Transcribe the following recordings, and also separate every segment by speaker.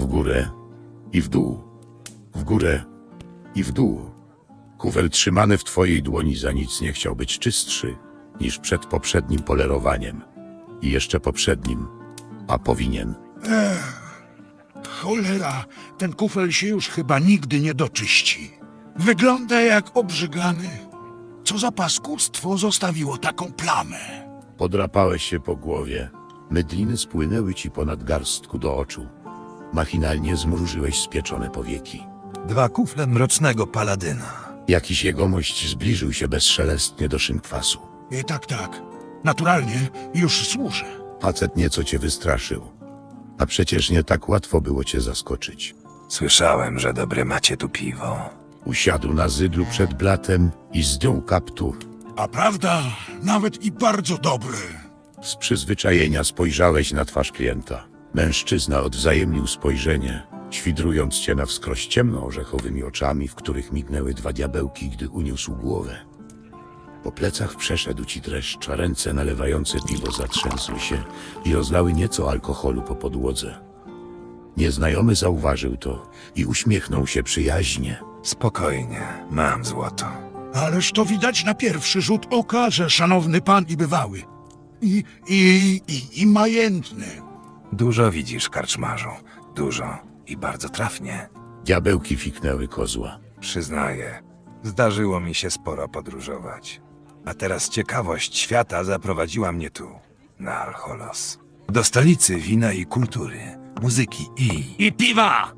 Speaker 1: W górę i w dół. W górę i w dół. Kufel trzymany w twojej dłoni za nic nie chciał być czystszy niż przed poprzednim polerowaniem. I jeszcze poprzednim. A powinien.
Speaker 2: Cholera, ten kufel się już chyba nigdy nie doczyści. Wygląda jak obrzygany. Co za paskudstwo zostawiło taką plamę?
Speaker 1: Podrapałeś się po głowie. Mydliny spłynęły ci ponad garstku do oczu. Machinalnie zmrużyłeś spieczone powieki.
Speaker 3: 2 kufle mrocznego paladyna.
Speaker 1: Jakiś jegomość zbliżył się bezszelestnie do szynkwasu.
Speaker 2: Tak. Naturalnie już służę.
Speaker 1: Facet nieco cię wystraszył. A przecież nie tak łatwo było cię zaskoczyć.
Speaker 3: Słyszałem, że dobre macie tu piwo.
Speaker 1: Usiadł na zydlu przed blatem i zdjął kaptur.
Speaker 2: A prawda, nawet i bardzo dobry.
Speaker 1: Z przyzwyczajenia spojrzałeś na twarz klienta. Mężczyzna odwzajemnił spojrzenie, świdrując cię na wskroś ciemno-orzechowymi oczami, w których mignęły 2 diabełki, gdy uniósł głowę. Po plecach przeszedł ci dreszcz, a ręce nalewające piwo zatrzęsły się i rozlały nieco alkoholu po podłodze. Nieznajomy zauważył to i uśmiechnął się przyjaźnie.
Speaker 3: Spokojnie, mam złoto.
Speaker 2: Ależ to widać na pierwszy rzut oka, że szanowny pan i bywały. I majętny.
Speaker 3: Dużo widzisz, karczmarzu. Dużo i bardzo trafnie.
Speaker 1: Diabełki fiknęły kozła.
Speaker 3: Przyznaję, zdarzyło mi się sporo podróżować. A teraz ciekawość świata zaprowadziła mnie tu, na Alcholos. Do stolicy wina i kultury, muzyki
Speaker 4: I piwa!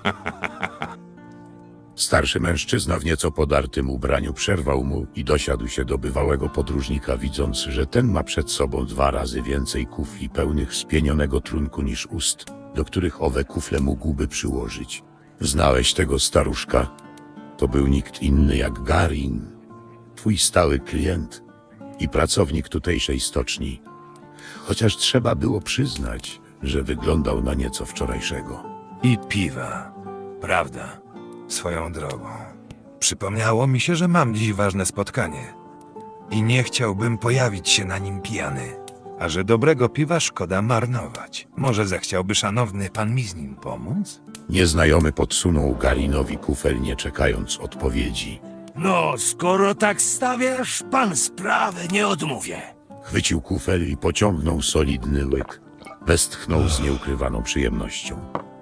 Speaker 1: Starszy mężczyzna w nieco podartym ubraniu przerwał mu i dosiadł się do bywałego podróżnika, widząc, że ten ma przed sobą 2 razy więcej kufli pełnych spienionego trunku niż ust, do których owe kufle mógłby przyłożyć. Znałeś tego staruszka? To był nikt inny jak Garin, twój stały klient i pracownik tutejszej stoczni. Chociaż trzeba było przyznać, że wyglądał na nieco wczorajszego.
Speaker 3: i piwa. Prawda, swoją drogą. Przypomniało mi się, że mam dziś ważne spotkanie. I nie chciałbym pojawić się na nim pijany. A że dobrego piwa szkoda marnować. Może zechciałby szanowny pan mi z nim pomóc?
Speaker 1: Nieznajomy podsunął Garinowi kufel, nie czekając odpowiedzi.
Speaker 4: No, skoro tak stawiasz, pan sprawę nie odmówię.
Speaker 1: Chwycił kufel i pociągnął solidny łyk. Westchnął z nieukrywaną przyjemnością.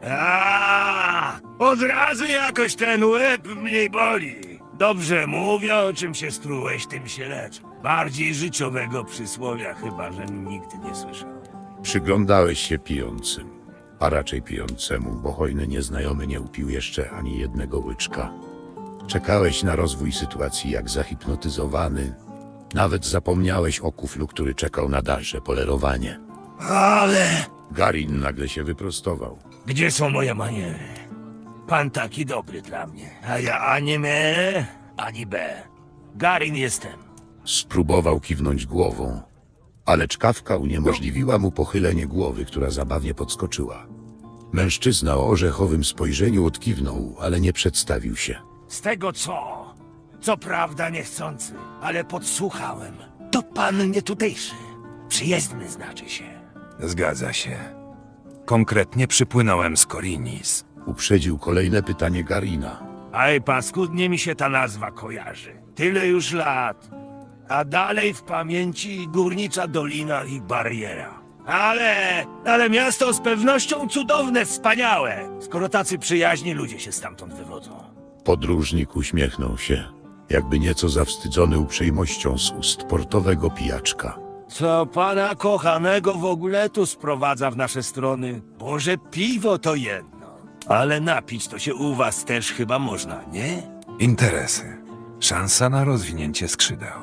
Speaker 4: Od razu jakoś ten łeb mniej boli. Dobrze mówią, czym się strułeś, tym się lecz. Bardziej życiowego przysłowia chyba, że nigdy nie słyszał.
Speaker 1: Przyglądałeś się pijącym, a raczej pijącemu, bo hojny nieznajomy nie upił jeszcze ani jednego łyczka. Czekałeś na rozwój sytuacji jak zahipnotyzowany. Nawet zapomniałeś o kuflu, który czekał na dalsze polerowanie.
Speaker 4: Ale
Speaker 1: Garin nagle się wyprostował.
Speaker 4: gdzie są moje maniery? Pan taki dobry dla mnie, a ja ani M, ani B. Garin jestem.
Speaker 1: Spróbował kiwnąć głową, ale czkawka uniemożliwiła mu pochylenie głowy, która zabawnie podskoczyła. Mężczyzna o orzechowym spojrzeniu odkiwnął, ale nie przedstawił się.
Speaker 4: Z tego co prawda niechcący, ale podsłuchałem. To pan nie tutejszy. Przyjezdny znaczy się.
Speaker 3: Zgadza się. Konkretnie przypłynąłem z Korinis.
Speaker 1: Uprzedził kolejne pytanie Garina.
Speaker 4: Aj, paskudnie mi się ta nazwa kojarzy. Tyle już lat. A dalej w pamięci górnicza dolina i bariera. Ale miasto z pewnością cudowne, wspaniałe. Skoro tacy przyjaźni ludzie się stamtąd wywodzą.
Speaker 1: Podróżnik uśmiechnął się, jakby nieco zawstydzony uprzejmością z ust portowego pijaczka.
Speaker 4: Co pana kochanego w ogóle tu sprowadza w nasze strony? Boże, piwo to jedno. Ale napić to się u was też chyba można, nie?
Speaker 3: Interesy. Szansa na rozwinięcie skrzydeł.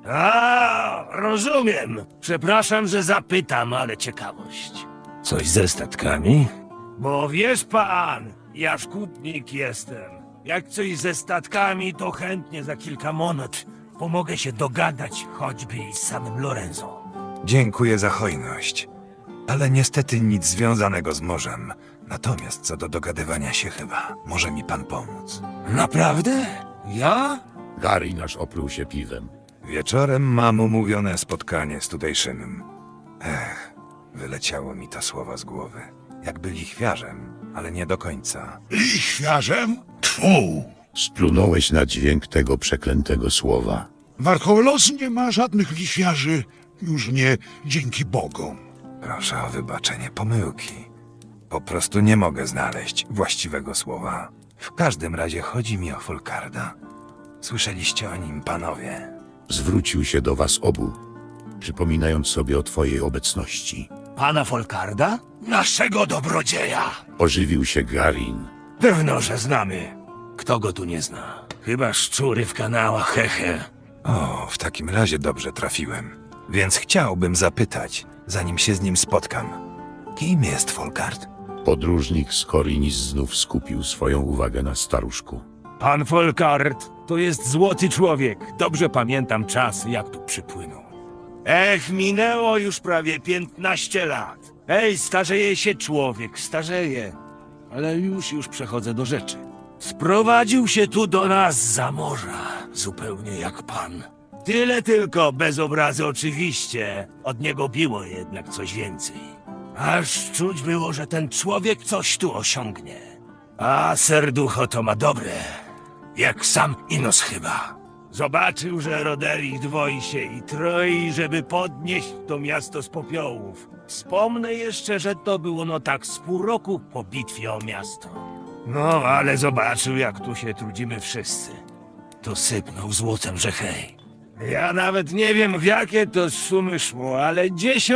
Speaker 4: Rozumiem. Przepraszam, że zapytam, ale ciekawość. Coś ze statkami? Bo wiesz pan, ja szkutnik jestem. Jak coś ze statkami, to chętnie za kilka monet pomogę się dogadać, choćby i z samym Lorenzo.
Speaker 3: Dziękuję za hojność, ale niestety nic związanego z morzem. Natomiast co do dogadywania się chyba, może mi pan pomóc.
Speaker 4: Naprawdę? Ja?
Speaker 1: Garin aż opluł się piwem.
Speaker 3: Wieczorem mam umówione spotkanie z tutejszym. Wyleciało mi to słowo z głowy. Jakby lichwiarzem, ale nie do końca.
Speaker 2: Lichwiarzem? Tfu!
Speaker 1: Splunąłeś na dźwięk tego przeklętego słowa.
Speaker 2: Warcholos nie ma żadnych lichwiarzy, już nie dzięki Bogom.
Speaker 3: Proszę o wybaczenie pomyłki. Po prostu nie mogę znaleźć właściwego słowa. W każdym razie chodzi mi o Folkarda. Słyszeliście o nim, panowie?
Speaker 1: Zwrócił się do was obu, przypominając sobie o twojej obecności.
Speaker 4: Pana Folkarda? Naszego dobrodzieja!
Speaker 1: Ożywił się Garin.
Speaker 4: Pewno, że znamy. Kto go tu nie zna? Chyba szczury w kanałach, hehe.
Speaker 3: O, w takim razie dobrze trafiłem. Więc chciałbym zapytać, zanim się z nim spotkam. Kim jest Folkard?
Speaker 1: Podróżnik z Korinis znów skupił swoją uwagę na staruszku.
Speaker 4: Pan Folkard to jest złoty człowiek. Dobrze pamiętam czas, jak tu przypłynął. Minęło już prawie 15 lat. Starzeje się człowiek, starzeje. Ale już przechodzę do rzeczy. Sprowadził się tu do nas za morza, zupełnie jak pan. Tyle tylko, bez obrazy oczywiście. Od niego biło jednak coś więcej. Aż czuć było, że ten człowiek coś tu osiągnie. A serducho to ma dobre. Jak sam Inos chyba. Zobaczył, że Roderick dwoi się i troi, żeby podnieść to miasto z popiołów. Wspomnę jeszcze, że to było no tak z pół roku po bitwie o miasto. No, ale zobaczył, jak tu się trudzimy wszyscy. To sypnął złotem, że hej. Ja nawet nie wiem, w jakie to sumy szło, ale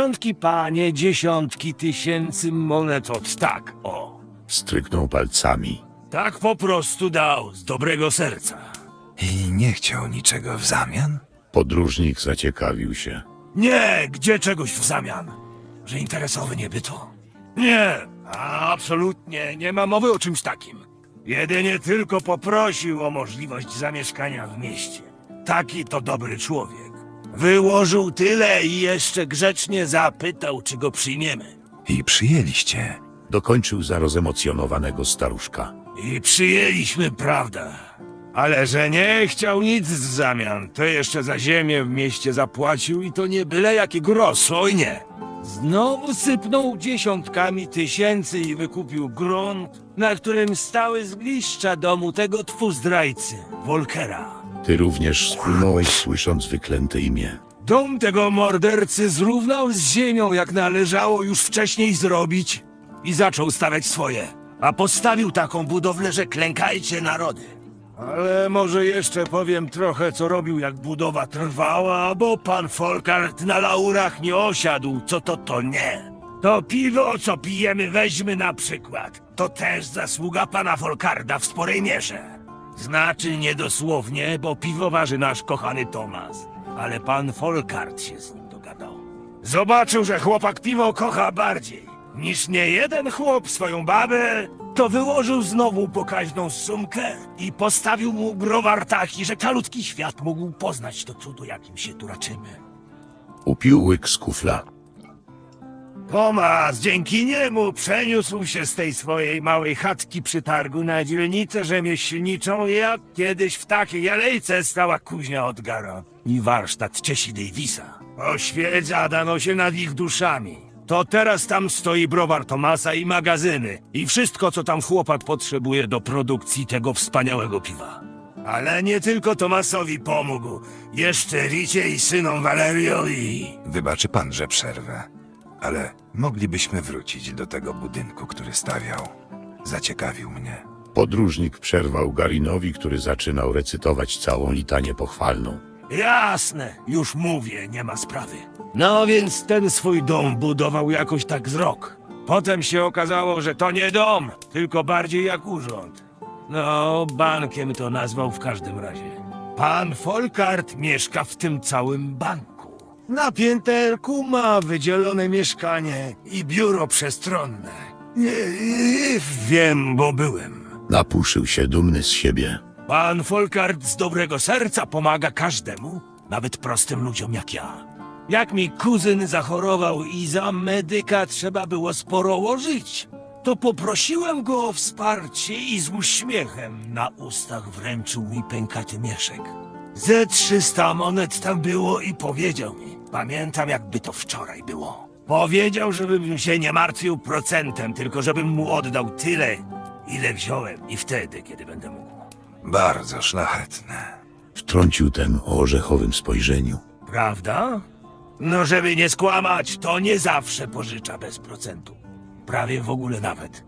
Speaker 4: dziesiątki tysięcy monet od tak, o.
Speaker 1: Stryknął palcami.
Speaker 4: Tak po prostu dał, z dobrego serca.
Speaker 3: I nie chciał niczego w zamian?
Speaker 1: Podróżnik zaciekawił się.
Speaker 4: Nie, gdzie czegoś w zamian? Że interesowy nieby to? Nie, absolutnie nie ma mowy o czymś takim. Jedynie tylko poprosił o możliwość zamieszkania w mieście. Taki to dobry człowiek. Wyłożył tyle i jeszcze grzecznie zapytał, czy go przyjmiemy.
Speaker 3: I przyjęliście.
Speaker 1: Dokończył za rozemocjonowanego staruszka.
Speaker 4: I przyjęliśmy, prawda. Ale że nie chciał nic w zamian, to jeszcze za ziemię w mieście zapłacił i to nie byle jaki gros, oj nie. Znowu sypnął dziesiątkami tysięcy i wykupił grunt, na którym stały zgliszcza domu tego zdrajcy, Volkera.
Speaker 1: Ty również splunąłeś, słysząc wyklęte imię.
Speaker 4: Dom tego mordercy zrównał z ziemią, jak należało już wcześniej zrobić i zaczął stawiać swoje. A postawił taką budowlę, że klękajcie narody. Ale może jeszcze powiem trochę, co robił, jak budowa trwała, bo pan Folkard na laurach nie osiadł, co to nie. To piwo, co pijemy, weźmy na przykład. To też zasługa pana Folkarda w sporej mierze. Znaczy niedosłownie, bo piwowarzy nasz kochany Tomas. Ale pan Folkard się z nim dogadał. Zobaczył, że chłopak piwo kocha bardziej niż nie jeden chłop swoją babę, to wyłożył znowu pokaźną sumkę i postawił mu browar taki, że kalutki świat mógł poznać to cudo, jakim się tu raczymy.
Speaker 1: Upił łyk z kufla.
Speaker 4: Tomas dzięki niemu przeniósł się z tej swojej małej chatki przy targu na dzielnicę rzemieślniczą, jak kiedyś w takiej alejce stała kuźnia Odgara i warsztat Ciesi Davisa. Oświeca dano się nad ich duszami. To teraz tam stoi browar Tomasa i magazyny i wszystko, co tam chłopak potrzebuje do produkcji tego wspaniałego piwa. Ale nie tylko Tomasowi pomógł, jeszcze Ricie i synom Valerio i...
Speaker 3: Wybaczy pan, że przerwę. Ale moglibyśmy wrócić do tego budynku, który stawiał. Zaciekawił mnie.
Speaker 1: Podróżnik przerwał Garinowi, który zaczynał recytować całą litanię pochwalną.
Speaker 4: Jasne, już mówię, nie ma sprawy. No więc ten swój dom budował jakoś tak z rok. Potem się okazało, że to nie dom, tylko bardziej jak urząd. No, bankiem to nazwał w każdym razie. Pan Folkard mieszka w tym całym banku. Na pięterku ma wydzielone mieszkanie i biuro przestronne. Wiem, bo byłem.
Speaker 1: Napuszył się dumny z siebie.
Speaker 4: Pan Folkard z dobrego serca pomaga każdemu, nawet prostym ludziom jak ja. Jak mi kuzyn zachorował i za medyka trzeba było sporo łożyć, to poprosiłem go o wsparcie i z uśmiechem na ustach wręczył mi pękaty mieszek. Ze 300 monet tam było i powiedział mi, pamiętam jakby to wczoraj było. Powiedział, żebym się nie martwił procentem, tylko żebym mu oddał tyle, ile wziąłem i wtedy, kiedy będę mógł.
Speaker 3: Bardzo szlachetne.
Speaker 1: Wtrącił ten o orzechowym spojrzeniu.
Speaker 4: Prawda? No, żeby nie skłamać, to nie zawsze pożycza bez procentu. Prawie w ogóle nawet.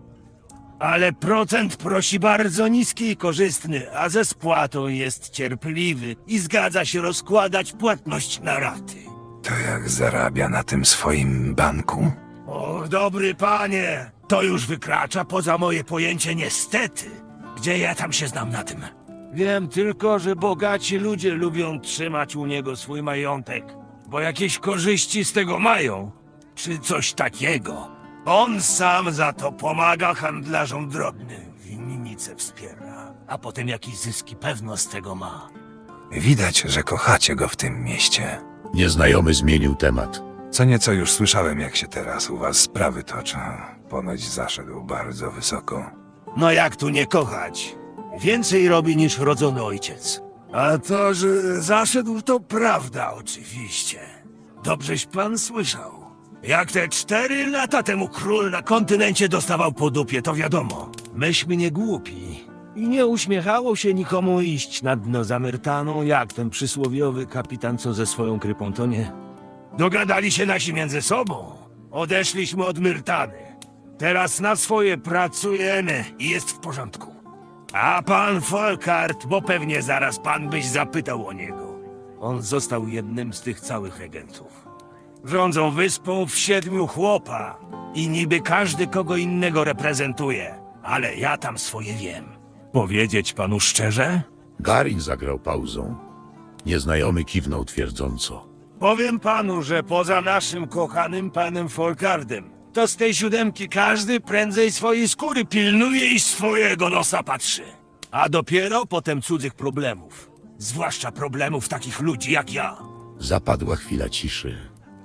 Speaker 4: Ale procent prosi bardzo niski i korzystny, a ze spłatą jest cierpliwy i zgadza się rozkładać płatność na raty.
Speaker 3: To jak zarabia na tym swoim banku?
Speaker 4: O, dobry panie, to już wykracza poza moje pojęcie niestety. Gdzie ja tam się znam na tym? Wiem tylko, że bogaci ludzie lubią trzymać u niego swój majątek, bo jakieś korzyści z tego mają, czy coś takiego. On sam za to pomaga handlarzom drobnym, winnice wspiera, a potem jakieś zyski pewno z tego ma.
Speaker 3: Widać, że kochacie go w tym mieście.
Speaker 1: Nieznajomy zmienił temat.
Speaker 3: Co nieco już słyszałem, jak się teraz u was sprawy toczą. Ponoć zaszedł bardzo wysoko.
Speaker 4: No jak tu nie kochać? Więcej robi niż rodzony ojciec. A to, że zaszedł, to prawda oczywiście. Dobrześ pan słyszał. Jak te 4 lata temu król na kontynencie dostawał po dupie, to wiadomo. Myśmy nie głupi. I nie uśmiechało się nikomu iść na dno za Myrtaną, jak ten przysłowiowy kapitan, co ze swoją krypą, to nie. Dogadali się nasi między sobą. Odeszliśmy od Myrtany. Teraz na swoje pracujemy i jest w porządku. A pan Folkart, bo pewnie zaraz pan byś zapytał o niego. On został jednym z tych całych regentów. Rządzą wyspą w 7 chłopa i niby każdy kogo innego reprezentuje, ale ja tam swoje wiem. Powiedzieć panu szczerze?
Speaker 1: Garin zagrał pauzą. Nieznajomy kiwnął twierdząco.
Speaker 4: Powiem panu, że poza naszym kochanym panem Folkardem, to z tej 7 każdy prędzej swojej skóry pilnuje i swojego nosa patrzy. A dopiero potem cudzych problemów. Zwłaszcza problemów takich ludzi jak ja.
Speaker 1: Zapadła chwila ciszy.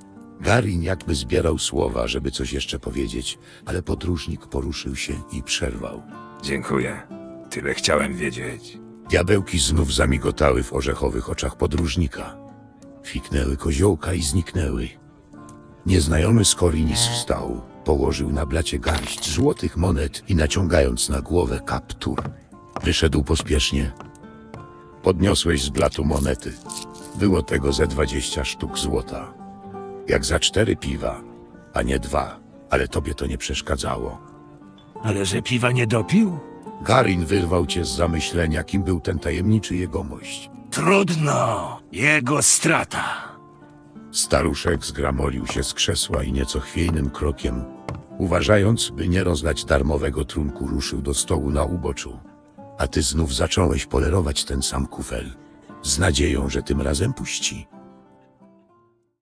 Speaker 1: Garin jakby zbierał słowa, żeby coś jeszcze powiedzieć, ale podróżnik poruszył się i przerwał.
Speaker 3: Dziękuję. Tyle chciałem wiedzieć.
Speaker 1: Diabełki znów zamigotały w orzechowych oczach podróżnika. Fiknęły koziołka i zniknęły. Nieznajomy Skorinis wstał, położył na blacie garść złotych monet i naciągając na głowę kaptur, wyszedł pospiesznie. Podniosłeś z blatu monety. Było tego ze 20 sztuk złota. Jak za 4 piwa, a nie 2, ale tobie to nie przeszkadzało.
Speaker 4: Ale że piwa nie dopił?
Speaker 1: Garin wyrwał cię z zamyślenia, kim był ten tajemniczy jegomość.
Speaker 4: Trudno. Jego strata.
Speaker 1: Staruszek zgramolił się z krzesła i nieco chwiejnym krokiem, uważając, by nie rozdać darmowego trunku, ruszył do stołu na uboczu. A ty znów zacząłeś polerować ten sam kufel, z nadzieją, że tym razem puści.